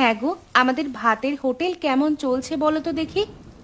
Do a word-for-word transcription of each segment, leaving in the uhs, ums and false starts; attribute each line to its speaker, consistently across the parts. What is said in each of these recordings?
Speaker 1: হ্যাঁ গো, আমাদের ভাতের হোটেল কেমন চলছে বলো তো দেখি।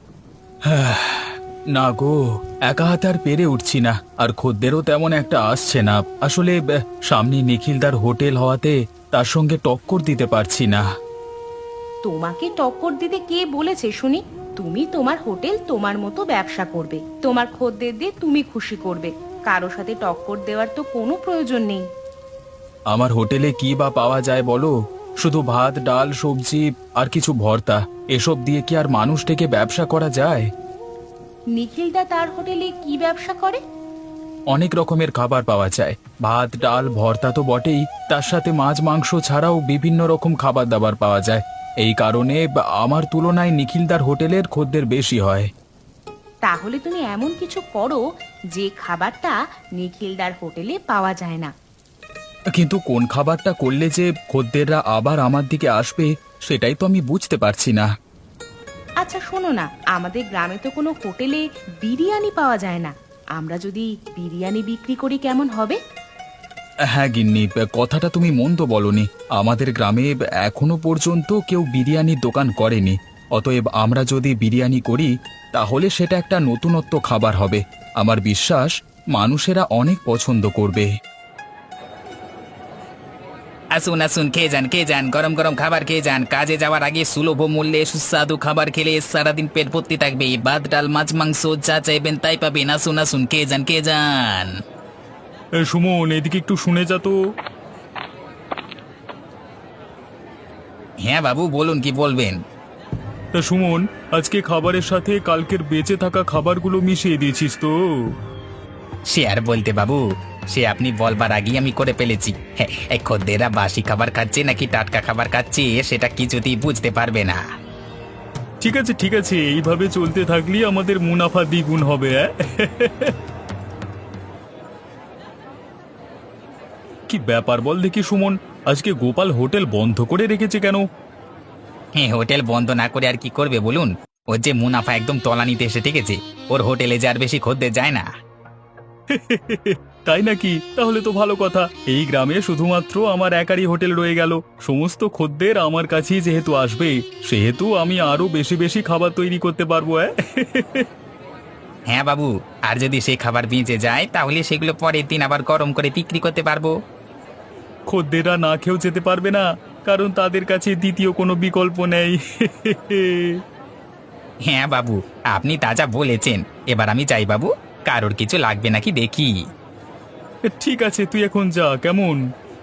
Speaker 2: না গো, একা হাতে আর পেরে উঠছি না, আর খদ্দেরও তেমন একটা আসছে না। আসলে আহ, সামনে নিখিলদার হোটেল হওয়াতে তার সঙ্গে টক্কর দিতে পারছি না।
Speaker 1: তোমাকে টক্কর দিতে কে বলেছে শুনি? তুমি তোমার হোটেল তোমার মতো ব্যবসা করবে, তোমার খদ্দের দিয়ে তুমি খুশি করবে। কারো সাথে টক্কর দেওয়ার তো কোনো প্রয়োজন নেই।
Speaker 2: আমার হোটেলে কি বা পাওয়া যায় বলো? শুধু ভাত, ডাল, সবজি আর কিছু ভর্তা। এসব দিয়ে কি আর মানুষ থেকে ব্যবসা করা যায়?
Speaker 1: নিখিলদা তার হোটেলে কি ব্যবসা করে?
Speaker 2: অনেক রকমের খাবার পাওয়া যায়। ভাত, ডাল, ভর্তা তো বটেই, তার সাথে মাছ, মাংস ছাড়াও বিভিন্ন রকম খাবার দাবার পাওয়া যায়। এই কারণে বা- আমার তুলনায় নিখিলদার হোটেলের খদ্দের বেশি হয়।
Speaker 1: তাহলে তুমি এমন কিছু করো যে খাবারটা নিখিলদার হোটেলে পাওয়া যায় না।
Speaker 2: কিন্তু কোন খাবারটা করলে যে খদ্দেররা আবার আমার দিকে আসবে, সেটাই তো আমি বুঝতে পারছি না।
Speaker 1: আচ্ছা শোনো না, আমাদের গ্রামে তো কোনো হোটেলে বিরিয়ানি পাওয়া যায় না। আমরা যদি বিরিয়ানি বিক্রি করি কেমন হবে?
Speaker 2: হ্যাঁ গিন্নি, কথাটা তুমি মন্দ বলনি। আমাদের গ্রামে এখনো পর্যন্ত কেউ বিরিয়ানির দোকান করেনি। অতএব আমরা যদি বিরিয়ানি করি, তাহলে সেটা একটা নতুনত্ব খাবার হবে। আমার বিশ্বাস মানুষেরা অনেক পছন্দ করবে।
Speaker 3: আসুন আসুন, খেয়ে যান খেয়ে যান, গরম গরম খাবার খেয়ে যান। কাজে যাওয়ার আগে সুলভ মূল্যে সুস্বাদু খাবার খেলে সারাদিন পেট ভর্তি থাকবে। ভাত, ডাল, মাছ, মাংস যা চাইবেন তাই পাবেন। আসুন আসুন, খেয়ে যান খেয়ে যান।
Speaker 2: সুমন, এদিকে একটু শুনে যা তো।
Speaker 3: হ্যাঁ বাবু, বলুন কি বলবেন।
Speaker 2: তা সুমন, আজকে খাবারের সাথে কালকের বেঁচে থাকা খাবারগুলো মিশিয়ে দিয়েছিস তো?
Speaker 3: সে আর বলতে বাবু, সে আপনি বলবার আগেই আমি করে ফেলেছি। হ্যাঁ, এই খদ্দেররা বাসি খাবার খাচ্ছে নাকি টাটকা খাবার খাচ্ছে সেটা কিছুতেই বুঝতে পারবে না।
Speaker 2: ঠিক আছে ঠিক আছে, এইভাবে চলতে থাকলেই আমাদের মুনাফা দ্বিগুণ হবে। অ্যাঁ? কি ব্যাপার বল দেখি সুমন, আজকে গোপাল হোটেল বন্ধ করে রেখেছে কেন?
Speaker 3: হ্যাঁ, হোটেল বন্ধ না করে আর কি করবে বলুন? ওর যে মুনাফা একদম তলানিতে এসে ঠেকেছে। ওর হোটেলে যে আর বেশি খদ্দের যায় না।
Speaker 2: তাই নাকি? তাহলে তো ভালো কথা। এই গ্রামে শুধুমাত্র আমার একারই হোটেল রয়ে গেল। সমস্ত খদ্দের আমার কাছেই যেহেতু আসবে, সেহেতু আমি আরো বেশি বেশি খাবার তৈরি করতে পারবো। অ্যাঁ?
Speaker 3: হ্যাঁ বাবু, আর যদি সেই খাবার বেঁচে যায় তাহলে সেগুলো পরের দিন আবার গরম করে বিক্রি করতে পারবো।
Speaker 2: খদ্দেররা না খেয়েও যেতে পারবে না, কারণ তাদের কাছে দ্বিতীয় কোনো বিকল্প নেই।
Speaker 3: হ্যাঁ বাবু, আপনি তাজা বলেছেন। এবার আমি যাই বাবু, কারোর কিছু লাগবে নাকি দেখি।
Speaker 2: ঠিক আছে, তুই এখন যা, কেমন?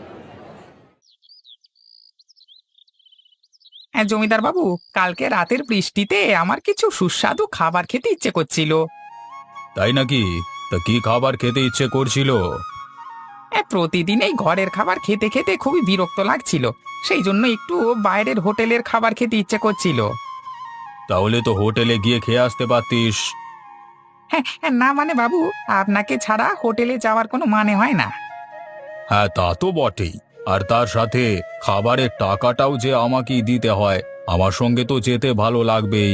Speaker 3: হ্যাঁ জমিদার বাবু, কালকে রাতের বৃষ্টিতে আমার কিছু সুস্বাদু খাবার খেতে ইচ্ছে করছিল।
Speaker 2: তাই নাকি? তা কি খাবার খেতে ইচ্ছে করছিল?
Speaker 3: হ্যাঁ, প্রতিদিন এই ঘরের খাবার খেতে খেতে খুবই বিরক্ত লাগছিল। সেই জন্য একটু বাইরের হোটেলের খাবার খেতে ইচ্ছে করছিল।
Speaker 2: তাহলে তো হোটেলে গিয়ে খেয়ে আসতে পারতিস।
Speaker 3: হ্যাঁ হ্যাঁ, না মানে বাবু, আপনাকে ছাড়া হোটেলে যাওয়ার কোনো মানে হয় না।
Speaker 2: হ্যাঁ, তা তো বটেই। আর তার সাথে খাবারের টাকাটাও যে আমাকেই দিতে হয়। আমার সঙ্গে তো যেতে ভালো লাগবেই।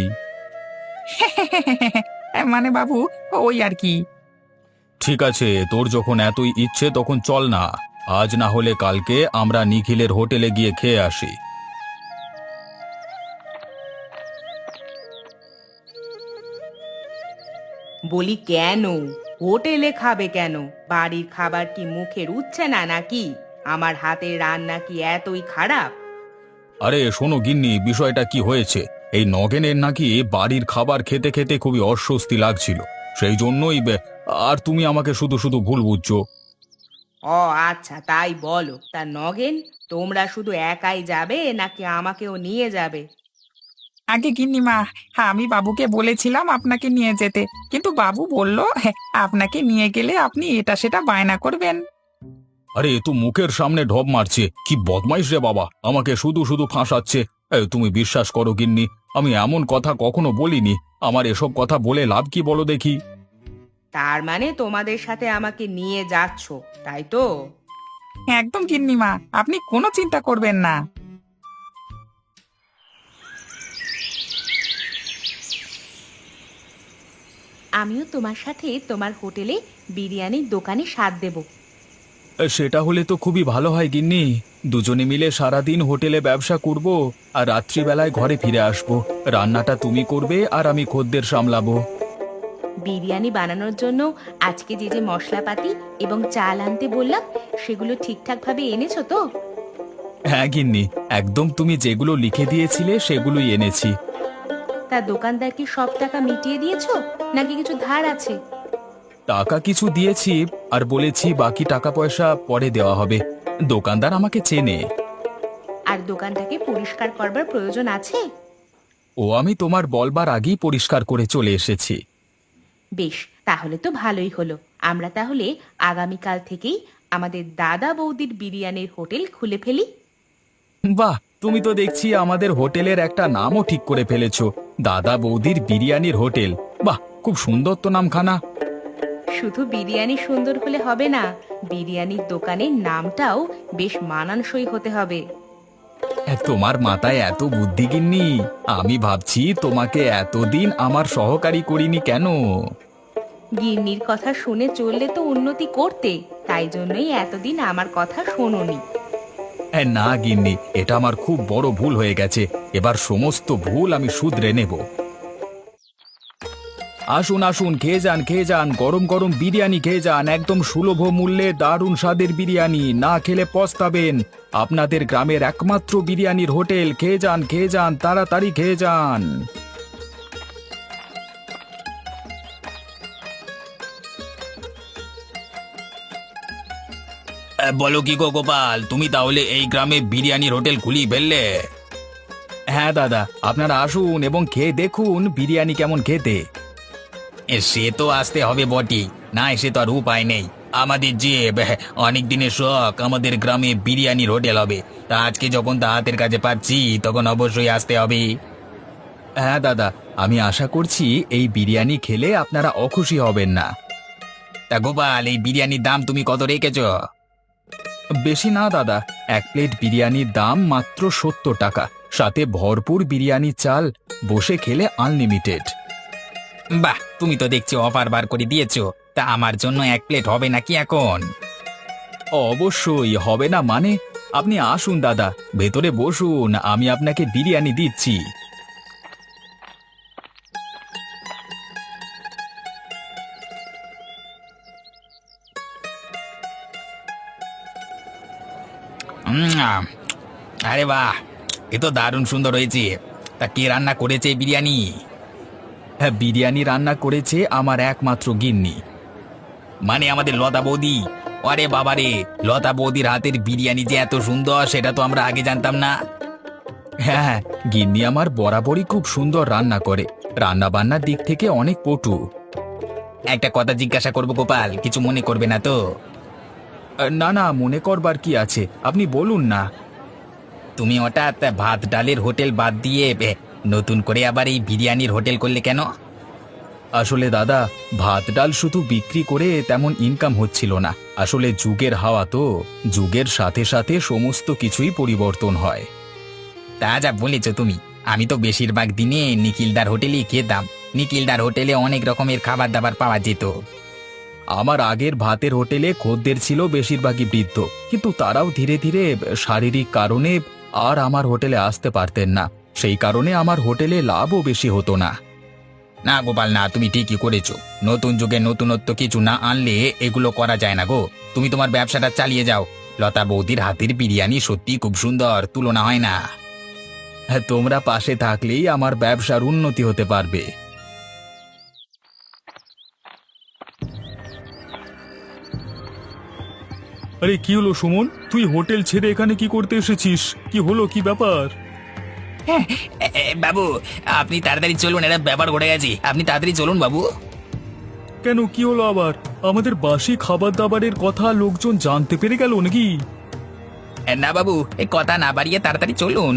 Speaker 3: মানে বাবু, ওই আর কি।
Speaker 2: ঠিক আছে, তোর যখন এতই ইচ্ছে তখন চল না। আজ না হলে কালকে আমরা নিখিলের হোটেলে গিয়ে খেয়ে আসি।
Speaker 1: বলি কেন হোটেলে খাবে কেন? বাড়ির খাবার কি মুখে রুচ্ছে না নাকি? আমার হাতের রান্না কি এতই খারাপ?
Speaker 2: আরে শোনো গিন্নি, বিষয়টা কি হয়েছে? এই নগেনের নাকি বাড়ির খাবার খেতে খেতে খুবই অস্বস্তি লাগছিল। সেই জন্যই বে- আর তুমি আমাকে শুধু শুধু ভুল বুঝছো।
Speaker 1: ও আচ্ছা, তাই বলো। তা নগেন, তোমরা শুধু একাই যাবে নাকি আমাকেও নিয়ে যাবে?
Speaker 3: আগে গিন্নিমা, হ্যাঁ আমি বাবুকে বলেছিলাম আপনাকে নিয়ে যেতে, কিন্তু বাবু বলল হ্যাঁ, আপনাকে নিয়ে গেলে আপনি এটা সেটা বায়না করবেন।
Speaker 2: আরে এ তো মুখের সামনে ঢপ মারছে, কি বদমাইশ রে বাবা, আমাকে শুধু শুধু ফাঁসাচ্ছে। এ, তুমি বিশ্বাস করো গিন্নি, আমি এমন কথা কখনো বলিনি। আমার এসব কথা বলে লাভ কি বলো দেখি?
Speaker 1: তার মানে তোমাদের সাথে আমাকে নিয়ে যাচ্ছ, তাই তো?
Speaker 3: একদম গিন্নিমা, আপনি কোনো চিন্তা করবেন না।
Speaker 1: আমিও তোমার সাথে তোমার হোটেলে বিরিয়ানির দোকানে স্বাদ দেব।
Speaker 2: সেটা হলে তো খুবই ভালো হয় গিন্নি। দুজনে মিলে সারাদিন হোটেলে ব্যবসা করব আর রাত্রিবেলায় ঘরে ফিরে আসব। রান্নাটা তুমি করবে আর আমি খদ্দের সামলাবো।
Speaker 1: বিরিয়ানি বানানোর জন্য আজকে যে যে মশলাপাতি এবং চাল আনতে বললাম সেগুলো ঠিকঠাক ভাবে এনেছো তো?
Speaker 2: হ্যাঁ গিন্নি, একদম তুমি যেগুলো লিখে দিয়েছিলে সেগুলোই এনেছি।
Speaker 1: তা দোকানদার কি সব টাকা মিটিয়ে দিয়েছো নাকি কিছু ধার আছে?
Speaker 2: টাকা কিছু দিয়েছি আর বলেছি বাকি টাকা পয়সা পরে দেওয়া হবে। দোকানদার আমাকে চেনে।
Speaker 1: আর দোকানটাকে পরিষ্কার করবার প্রয়োজন আছে?
Speaker 2: ও আমি তোমার বলবার আগেই পরিষ্কার করে চলে এসেছি।
Speaker 1: বেশ, তাহলে তো ভালোই হলো। আমরা তাহলে আগামীকাল থেকেই আমাদের দাদা বৌদির বিরিয়ানির হোটেল খুলে ফেলি।
Speaker 2: বাহ, তুমি তো দেখছি আমাদের হোটেলের একটা নামও ঠিক করে ফেলেছো, দাদা বৌদির বিরিয়ানির হোটেল। বাহ, খুব সুন্দর তো নামখানা।
Speaker 1: শুধু বিরিয়ানি সুন্দর হলে হবে না, বিরিয়ানির দোকানের নামটাও বেশ মানানসই হতে হবে।
Speaker 2: তোমার মাথায় এত বুদ্ধি গিন্নি, আমি ভাবছি তোমাকে এতদিন আমার সহকারী করিনি কেন।
Speaker 1: গিন্নির কথা শুনে চললে তো উন্নতি করতে, তাই জন্যই এতদিন আমার কথা শোনোনি।
Speaker 2: না গিন্নি, এটা আমার খুব বড় ভুল হয়ে গেছে। এবার সমস্ত ভুল আমি শুধরে নেব। আসুন আসুন, খেয়ে যান খেয়ে যান, গরম গরম বিরিয়ানি খেয়ে যান, একদম সুলভ মূল্যে দারুণ স্বাদের বিরিয়ানি, না খেলে পস্তাবেন। আপনাদের গ্রামের একমাত্র বিরিয়ানির হোটেল, খেয়ে যান খেয়ে যান, তাড়াতাড়ি খেয়ে যান।
Speaker 3: বলো কি গো গোপাল, তুমি তাহলে এই গ্রামে বিরিয়ানির হোটেল খুলি ফেললে?
Speaker 2: হ্যাঁ দাদা, আপনারা আসুন এবং খেয়ে দেখুন বিরিয়ানি কেমন খেতে।
Speaker 3: এ, সে তো আসতে হবে বটি, না এসে তো আর উপায় নেই। আমাদের যে অনেক দিনের শখ, আমাদের গ্রামে বিরিয়ানির হোটেল হবে, তা আজকে যখন তা হাতের কাছে পাচ্ছি তখন অবশ্যই আসতে হবে।
Speaker 2: হ্যাঁ দাদা, আমি আশা করছি এই বিরিয়ানি খেলে আপনারা অখুশি হবেন না।
Speaker 3: তা গোপাল, এই বিরিয়ানির দাম তুমি কত রেখেছ?
Speaker 2: বেশি না দাদা, এক প্লেট বিরিয়ানির দাম মাত্র সত্তর টাকা, সাথে ভরপুর বিরিয়ানি চাল, বসে খেলে আনলিমিটেড।
Speaker 3: বাহ, তুমি তো দেখছি অফার বার করে দিয়েছো। তা আমার জন্য এক প্লেট হবে নাকি এখন?
Speaker 2: অবশ্যই হবে না মানে? আপনি আসুন দাদা, ভেতরে বসুন, আমি আপনাকে বিরিয়ানি দিচ্ছি।
Speaker 3: উম, আহ, আরে বাহ, এ তো দারুণ সুন্দর হয়েছে। তা কে রান্না করেছে এই বিরিয়ানি?
Speaker 2: হ্যাঁ, বিরিয়ানি রান্না করেছে আমার একমাত্র গিন্নি।
Speaker 3: মানে আমাদের লতা বৌদি? আরে বাবারে, লতা বৌদির হাতের বিরিয়ানি যে এত সুন্দর সেটা তো আমরা আগে জানতাম না।
Speaker 2: হ্যাঁ হ্যাঁ, গিন্নি আমার বরাবরই খুব সুন্দর রান্না করে, রান্না বান্নার দিক থেকে অনেক পটু।
Speaker 3: একটা কথা জিজ্ঞাসা করবো গোপাল, কিছু মনে করবে না তো?
Speaker 2: না না, মনে করবার কি আছে, আপনি বলুন না।
Speaker 3: তুমি হঠাৎ ভাত ডালের হোটেল বাদ দিয়ে এ, নতুন করে আবার এই বিরিয়ানির হোটেল করলে কেন?
Speaker 2: আসলে দাদা, ভাত ডাল শুধু বিক্রি করে তেমন ইনকাম হচ্ছিল না। আসলে যুগের হাওয়া তো, যুগের সাথে সাথে সমস্ত কিছুই পরিবর্তন হয়।
Speaker 3: তা যা বলেছ তুমি, আমি তো বেশিরভাগ দিনে নিখিলদার হোটেলেই খেতাম। নিখিলদার হোটেলে অনেক রকমের খাবার দাবার পাওয়া যেত।
Speaker 2: আমার আগের ভাতের হোটেলে খদ্দের ছিল বেশিরভাগই বৃদ্ধ, কিন্তু তারাও ধীরে ধীরে শারীরিক কারণে আর আমার হোটেলে আসতে পারতেন না। সেই কারণে আমার হোটেলে লাভও বেশি হতো না।
Speaker 3: না গোপাল না, তুমি ঠিকই করেছো। নতুন যুগে নতুনত্ব কিছু না আনলে এগুলো করা যায় না গো। তুমি তোমার ব্যবসাটা চালিয়ে যাও। লতা বৌদির হাতের বিরিয়ানি সত্যি খুব সুন্দর, তুলনা হয় না।
Speaker 2: হ্যাঁ, তোমরা পাশে থাকলেই আমার ব্যবসার উন্নতি হতে পারবে। আরে কি হলো সুমন, তুই হোটেল ছেড়ে এখানে কি করতে এসেছিস? কি হলো, কি ব্যাপার?
Speaker 3: এ, এ, বাবু, আপনি তাড়াতাড়ি চলুন, একটা ব্যাপার ঘটে গেছে। আপনি তাড়াতাড়ি চলুন বাবু।
Speaker 2: কেন, কি হলো আবার? আমাদের বাসি খাবার দাবারের কথা লোকজন জানতে পেরে গেল নাকি?
Speaker 3: এ, না বাবু, এই কথা না বাড়িয়ে তাড়াতাড়ি চলুন।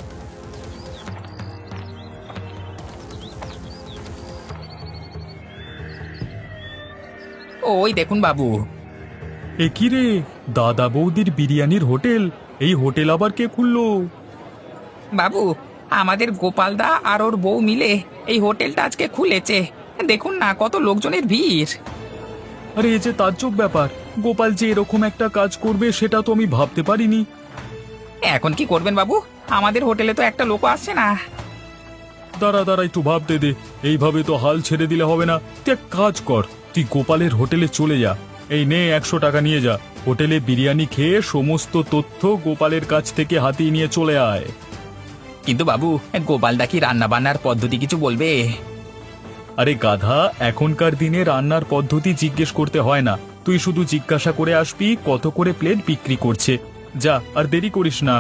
Speaker 3: ওই দেখুন বাবু।
Speaker 2: এ কি রে, দাদা বৌদির বিরিয়ানির হোটেল? এই হোটেল আবার কে খুললো?
Speaker 3: বাবু, আমাদের গোপালদা আর ওর বউ মিলে এই হোটেলটা আজকে খুলেছে। দেখুন না কত লোকজনের ভিড়।
Speaker 2: আরে এ যে তাজ্জব ব্যাপার, গোপাল যে এরকম একটা কাজ করবে সেটা তো আমি ভাবতে পারিনি।
Speaker 3: এখন কি করবেন বাবু? আমাদের হোটেলে তো একটা লোক আসছে না।
Speaker 2: দাঁড়া দাঁড়া একটু ভাবতে দে, এইভাবে তো হাল ছেড়ে দিলে হবে না। তুই এক কাজ কর, তুই গোপালের হোটেলে চলে যা, এই নে একশো টাকা নিয়ে যা, হোটেলে বিরিয়ানি খেয়ে সমস্ত তথ্য গোপালের কাছ থেকে হাতিয়ে নিয়ে চলে আয়।
Speaker 3: কিন্তু বাবু, গোপালদা কি রান্না বান্নার পদ্ধতি কিছু বলবে?
Speaker 2: আরে গাধা, এখনকার দিনে রান্নার পদ্ধতি জিজ্ঞেস করতে হয় না, তুই শুধু জিজ্ঞাসা করে আসবি কত করে প্লেট বিক্রি করছে। যা, আর দেরি করিস না।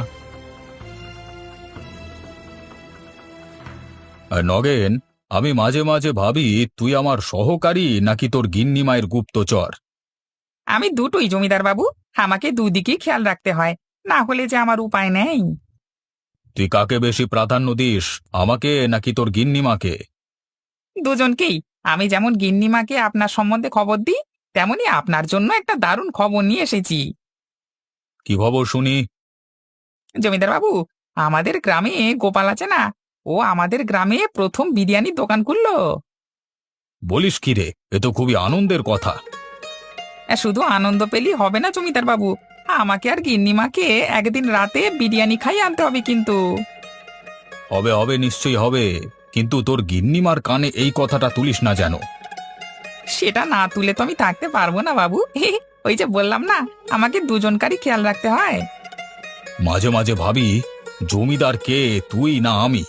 Speaker 2: নগেন, আমি মাঝে মাঝে ভাবি তুই আমার সহকারী নাকি তোর গিন্নি মায়ের গুপ্তচর।
Speaker 3: আমি দুটোই জমিদার বাবু, আমাকে দুদিকেই খেয়াল রাখতে হয়, না হলে যে আমার উপায় নেই।
Speaker 2: তুই কাকে বেশি প্রাধান্য দিস, আমাকে নাকি তোর গিন্নিমাকে?
Speaker 3: দুজনকেই। আমি যেমন গিন্নিমাকে আপনার সম্বন্ধে খবর দিই, তেমনি আপনার জন্য একটা দারুণ খবর নিয়ে এসেছি।
Speaker 2: কি খবর শুনি?
Speaker 3: জমিদার বাবু, আমাদের গ্রামে গোপাল আছে না, ও আমাদের গ্রামে প্রথম বিরিয়ানির দোকান খুললো।
Speaker 2: বলিস কি রে, এ তো খুবই আনন্দের কথা।
Speaker 3: এ, শুধু আনন্দ পেলেই হবে না জমিদার বাবু, আমাকে আর গিন্নিমাকে একদিন রাতে বিরিয়ানি খাইয়ে আনতে হবে কিন্তু।
Speaker 2: হবে হবে, নিশ্চয়ই হবে, কিন্তু তোর গিন্নিমার কানে এই কথাটা তুলিস না যেন।
Speaker 3: সেটা না তুলে তো আমি থাকতে পারবো না বাবু। ওই যে বললাম না, আমাকে দুজনকারই খেয়াল রাখতে হয়।
Speaker 2: মাঝে মাঝে ভাবি জমিদার কে, তুই না আমি?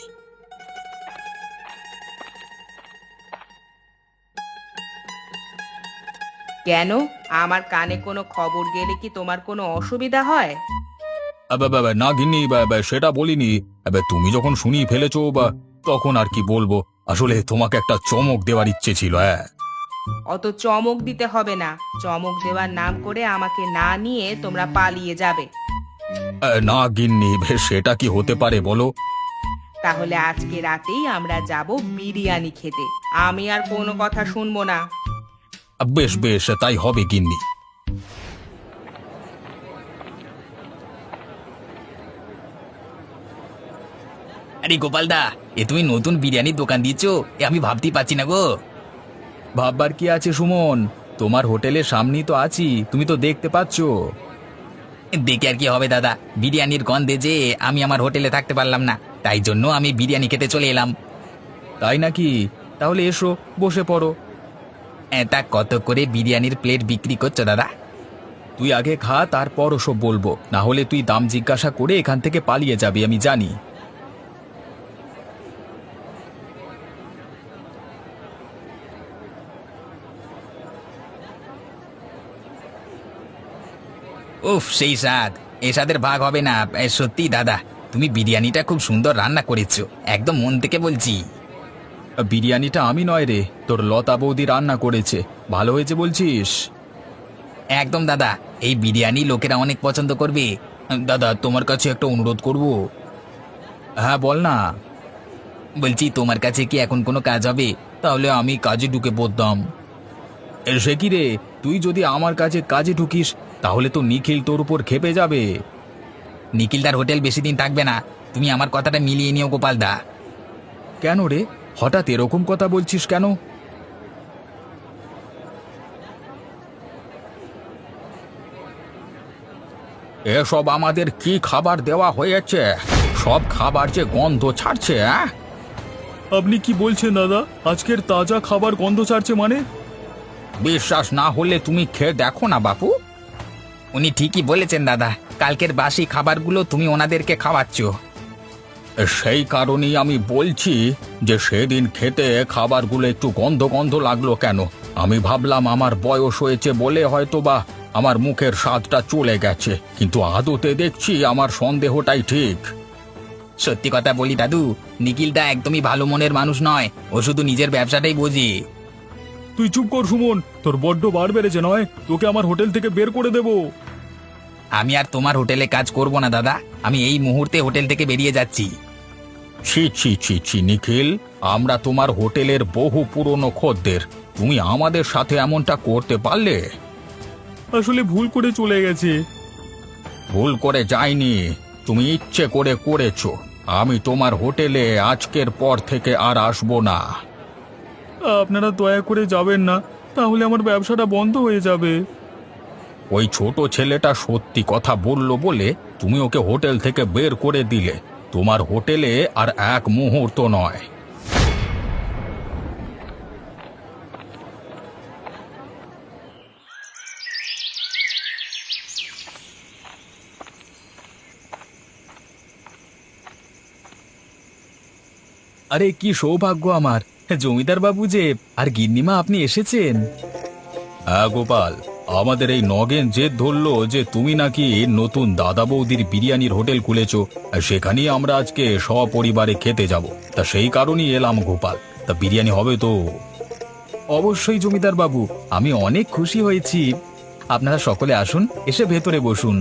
Speaker 1: কেন, আমার কানে কোনো খবর গেলে কি তোমার কোনো অসুবিধা হয়?
Speaker 2: আবে, আবে, আবে, না গিন্নি, আবে, আবে, সেটা বলিনি। আবে, তুমি যখন শুনিয়ে ফেলেছো বা, তখন আর কি বলবো, আসলে তোমাকে একটা চমক দেওয়ার ইচ্ছে ছিল। হ্যাঁ,
Speaker 1: অত চমক দিতে হবে না, চমক দেওয়ার নাম করে আমাকে না নিয়ে তোমরা পালিয়ে যাবে।
Speaker 2: এ, না গিন্নি, বে, সেটা কি হতে পারে বলো?
Speaker 1: তাহলে আজকে রাতেই আমরা যাব বিরিয়ানি খেতে, আমি আর কোনো কথা শুনবো না।
Speaker 2: আ, বেশ বেশ, তাই হবে গিন্নি।
Speaker 3: আরে গোপালদা, এ তুমি নতুন বিরিয়ানির দোকান দিয়েছো, এ আমি ভাবতেই পারছি না গো।
Speaker 2: ভাববার কি আছে সুমন, তোমার হোটেলের সামনেই তো আছি, তুমি তো দেখতে পাচ্ছ।
Speaker 3: দেখে আর কি হবে দাদা, বিরিয়ানির গন্ধে যে আমি আমার হোটেলে থাকতে পারলাম না, তাই জন্য আমি বিরিয়ানি খেতে চলে এলাম।
Speaker 2: তাই নাকি? তাহলে এসো, বসে পড়ো।
Speaker 3: এ, তা কত করে বিরিয়ানির প্লেট বিক্রি করছো দাদা?
Speaker 2: তুই আগে খা, তারপর ওসব বলবো, না হলে তুই দাম জিজ্ঞাসা করে এখান থেকে পালিয়ে যাবি, আমি জানি।
Speaker 3: উফ, সেই স্বাদ, এ স্বাদের ভাগ হবে না। এ, সত্যি দাদা, তুমি বিরিয়ানিটা খুব সুন্দর রান্না করেছো, একদম মন থেকে বলছি।
Speaker 2: বিরিয়ানিটা আমি নয় রে, তোর লতা বৌদি রান্না করেছে, ভালো হয়েছে বলছিস?
Speaker 3: একদম দাদা, এই বিরিয়ানি লোকেরা অনেক পছন্দ করবে। দাদা, তোমার কাছে একটা অনুরোধ করব।
Speaker 2: হ্যাঁ, বল না।
Speaker 3: বলছি, তোমার কাছে কি এখন কোনো কাজ হবে? তাহলে আমি কাজে ঢুকে পড়তাম।
Speaker 2: এ, সে কি রে, তুই যদি আমার কাছে কাজে ঢুকিস তাহলে তো নিখিল তোর উপর খেপে যাবে।
Speaker 3: নিখিলদার হোটেল বেশি দিন থাকবে না, তুমি আমার কথাটা মিলিয়ে নিও গোপালদা।
Speaker 2: কেন রে, হঠাৎ এরকম কথা বলছিস কেন? এসব আমাদের কি খাবার দেওয়া হয়েছে? সব খাবার যে গন্ধ ছাড়ছে। হ্যাঁ, আপনি কি বলছেন দাদা, আজকের তাজা খাবার গন্ধ ছাড়ছে মানে?
Speaker 3: বিশ্বাস না হলে তুমি খেয়ে দেখো না বাপু। উনি ঠিকই বলেছেন দাদা, কালকের বাসি খাবারগুলো তুমি ওনাদেরকে খাওয়াচ্ছ।
Speaker 2: সেই কারণেই আমি বলছি যে সেদিন খেতে খাবারগুলো একটু গন্ধ গন্ধ লাগলো কেন। আমি ভাবলাম আমার বয়স হয়েছে বলে হয়তো বা আমার মুখের স্বাদটা চলে গেছে, কিন্তু আদতে দেখছি আমার সন্দেহটাই ঠিক।
Speaker 3: সত্যি কথা বলি দাদু, নিখিলদা একদমই ভালো মনের মানুষ নয়, ও শুধু নিজের ব্যবসাটাই বোঝে।
Speaker 2: তুই চুপ কর সুমন, তোর বড্ড বার বেড়েছে নয়, তোকে আমার হোটেল থেকে বের করে দেব।
Speaker 3: আমি আর তোমার হোটেলে কাজ করব না দাদা, আমি এই মুহূর্তে হোটেল থেকে বেরিয়ে যাচ্ছি।
Speaker 2: ছি ছি ছি ছি নিখিল, আমরা তোমার হোটেলের বহু পুরনো খদ্দের, তুমি আমাদের সাথে এমনটা করতে পারলে? আসলে ভুল করে চলে গেছে। ভুল করে যায়নি, তুমি ইচ্ছে করে করেছো। আমি তোমার হোটেলে আজকের পর থেকে আর আসবো না। আপনারা দয়া করে যাবেন না, তাহলে আমার ব্যবসাটা বন্ধ হয়ে যাবে। ওই ছোট ছেলেটা সত্যি কথা বলল বলে তুমি ওকে হোটেল থেকে বের করে দিলে। তোমার হোটেলে আর এক মুহূর্ত নয়। আরে কি সৌভাগ্য আমার, জমিদার বাবু যে আর গিন্নিমা আপনি এসেছেন। হ্যাঁ গোপাল, আমাদের এই নগেন জেদ ধরলো যে তুমি নাকি নতুন দাদা বৌদির বিরিয়ানির হোটেল খুলেছো, আর সেখানেই আমরা আজকে সপরিবারে খেতে যাব। তা সেই কারণেই এলাম গোপাল। তা বিরিয়ানি হবে তো? অবশ্যই জমিদার বাবু, আমি অনেক খুশি হয়েছি। আপনারা সকলে আসুন, এসে ভেতরে বসুন।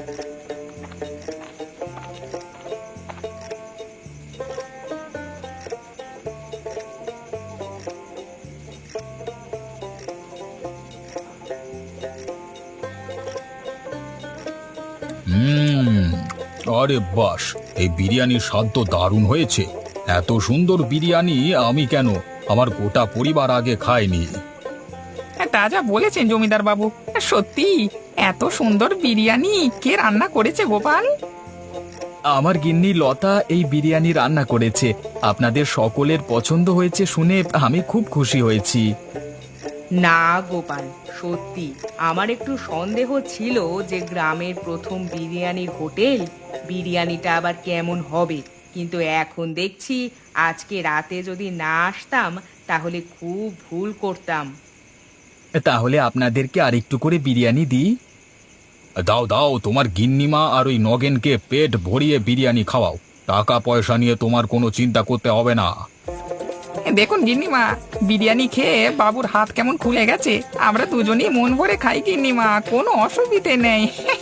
Speaker 2: হুম, আরে বাস, এই বিরিয়ানির স্বাদ তো দারুণ হয়েছে। এত সুন্দর বিরিয়ানি আমি কেন, আমার গোটা পরিবার আগে খায়নি।
Speaker 3: তা যা বলেছেন জমিদার বাবু, সত্যি এত সুন্দর বিরিয়ানি কে রান্না করেছে গোপাল?
Speaker 2: আমার গিন্নি লতা এই বিরিয়ানি রান্না করেছে। আপনাদের সকলের পছন্দ হয়েছে শুনে আমি খুব খুশি হয়েছি।
Speaker 1: না গোপাল, সত্যি আমার একটু সন্দেহ ছিল যে গ্রামের প্রথম বিরিয়ানির হোটেল, বিরিয়ানিটা আবার কেমন হবে। কিন্তু এখন দেখছি আজকে রাতে যদি না আসতাম তাহলে খুব ভুল করতাম।
Speaker 2: তাহলে আপনাদেরকে আরেকটু করে বিরিয়ানি দিই। দাও দাও, তোমার গিন্নিমা আর ওই নগেনকে পেট ভরিয়ে বিরিয়ানি খাওয়াও। টাকা পয়সা নিয়ে তোমার কোনো চিন্তা করতে হবে না।
Speaker 3: দেখুন গিন্নিমা, বিরিয়ানি খেয়ে বাবুর হাত কেমন খুলে গেছে। আমরা দুজনেই মন ভরে খাই গিন্নিমা, কোনো অসুবিধে নেই।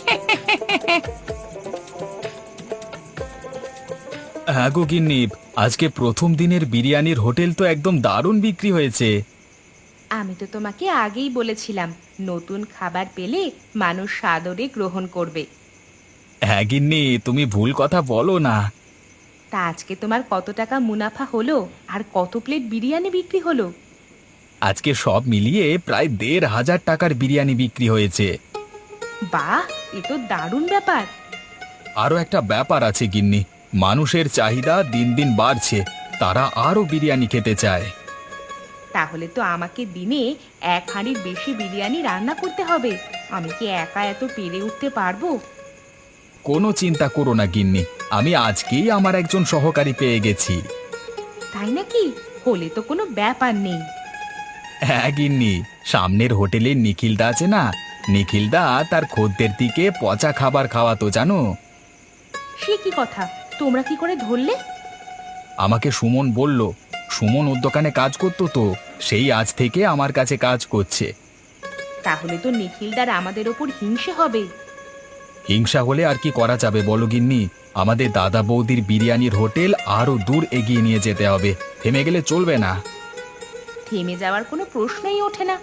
Speaker 2: হ্যাঁ গো গিন্নি, আজকে প্রথম দিনের বিরিয়ানির হোটেল তো একদম দারুণ বিক্রি হয়েছে।
Speaker 1: আমি তো তোমাকে আগেই বলেছিলাম, নতুন খাবার পেলে মানুষ সাদরে গ্রহণ করবে।
Speaker 2: হ্যাঁ গিন্নি, তুমি ভুল কথা বলো না।
Speaker 1: তা আজকে তোমার কত টাকা মুনাফা হলো আর কত প্লেট বিরিয়ানি বিক্রি হলো?
Speaker 2: আজকে সব মিলিয়ে প্রায় দেড় হাজার টাকার বিরিয়ানি বিক্রি হয়েছে।
Speaker 1: বাহ, এ তো দারুণ ব্যাপার।
Speaker 2: আরও একটা ব্যাপার আছে গিন্নি, মানুষের চাহিদা দিন দিন বাড়ছে, তারা আরও বিরিয়ানি খেতে চায়।
Speaker 1: তাহলে তো আমাকে দিনে এক হাঁড়ির বেশি বিরিয়ানি রান্না করতে হবে। আমি কি একা এত পেরে উঠতে পারবো?
Speaker 2: কোনো চিন্তা করো না গিন্নি, আমি আজকেই আমার একজন সহকারী পেয়ে গেছি।
Speaker 1: তাই নাকি? হলে তো কোনো ব্যাপার নেই।
Speaker 2: হ্যাঁ গিন্নি, সামনের হোটেলে নিখিলদা আছে না, নিখিলদা তার খদ্দের দিকে পচা খাবার খাওয়াতো জানো।
Speaker 1: সে কি কথা, তোমরা কি করে ধরলে?
Speaker 2: আমাকে সুমন বলল, সুমন ওর দোকানে কাজ করতো তো, সেই আজ থেকে আমার কাছে কাজ করছে।
Speaker 1: তাহলে তো নিখিলদার আমাদের ওপর হিংসে হবে।
Speaker 2: হিংসা হলে আর কি করা যাবে বলো গিন্নি, আমাদের দাদা বৌদির বিরিয়ানির হোটেল আরো দূর এগিয়ে নিয়ে যেতে হবে, থেমে গেলে চলবে না।
Speaker 1: থেমে যাওয়ার কোনো প্রশ্নই ওঠে না।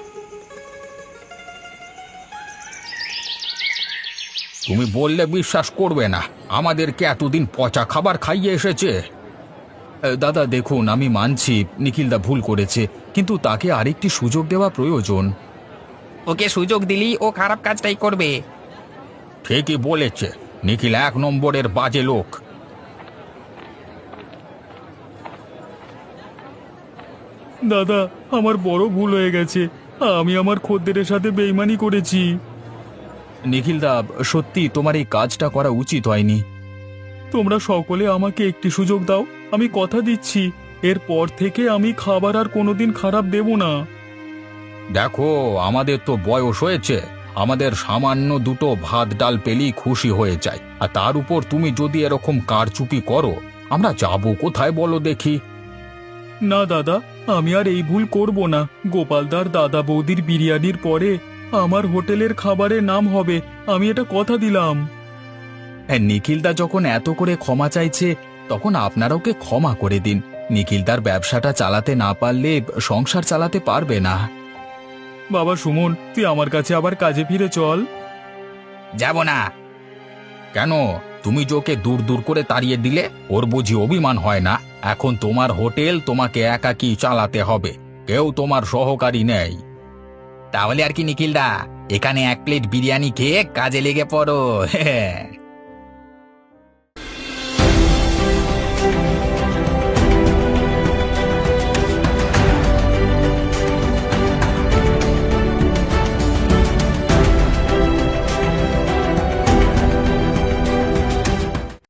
Speaker 2: তুমি বললে বিশ্বাস করবে না, আমাদেরকে এতদিন পচা খাবার খাইয়ে এসেছে। এ, দাদা দেখুন, আমি মানছি নিখিলদা ভুল করেছে, কিন্তু তাকে আরেকটি সুযোগ দেওয়া প্রয়োজন।
Speaker 3: ওকে সুযোগ দিলি ও খারাপ কাজটাই করবে।
Speaker 2: ঠিকই বলেছে, নিখিল এক নম্বরের বাজে লোক। দাদা, আমার বড় ভুল হয়ে গেছে, আমি আমার খদ্দেরের সাথে বেইমানি করেছি। নিখিলদা, সত্যি তোমার এই কাজটা করা উচিত হয়নি। তোমরা সকলে আমাকে একটি সুযোগ দাও, আমি কথা দিচ্ছি এরপর থেকে আমি খাবার আর কোনোদিন খারাপ দেব না। দেখো, আমাদের তো বয়স হয়েছে, আমাদের সামান্য দুটো ভাত ডাল পেলেই খুশি হয়ে যায়, আর তার উপর তুমি যদি এরকম কারচুপি করো, আমরা যাবো কোথায় বলো দেখি। না দাদা, আমি আর এই ভুল করব না। গোপালদার দাদা বৌদির বিরিয়ানির পরে আমার হোটেলের খাবারের নাম হবে, আমি এটা কথা দিলাম। নিখিলদা যখন এত করে ক্ষমা চাইছে, তখন আপনারা ওকে ক্ষমা করে দিন। নিখিলদার ব্যবসাটা চালাতে না পারলে সংসার চালাতে পারবে না। বাবা সুমন, তুই আমার কাছে আবার কাজে ফিরে চল।
Speaker 3: যাব না।
Speaker 2: কেন? তুমি যে ওকে দূর দূর করে তাড়িয়ে দিলে, ওর বুঝি অভিমান হয় না? এখন তোমার হোটেল তোমাকে একাকী চালাতে হবে, কেউ তোমার সহকারী নেই।
Speaker 3: তাহলে আর কি নিখিলদা, এখানে এক প্লেট বিরিয়ানি খেয়ে কাজে লেগে পড়ো।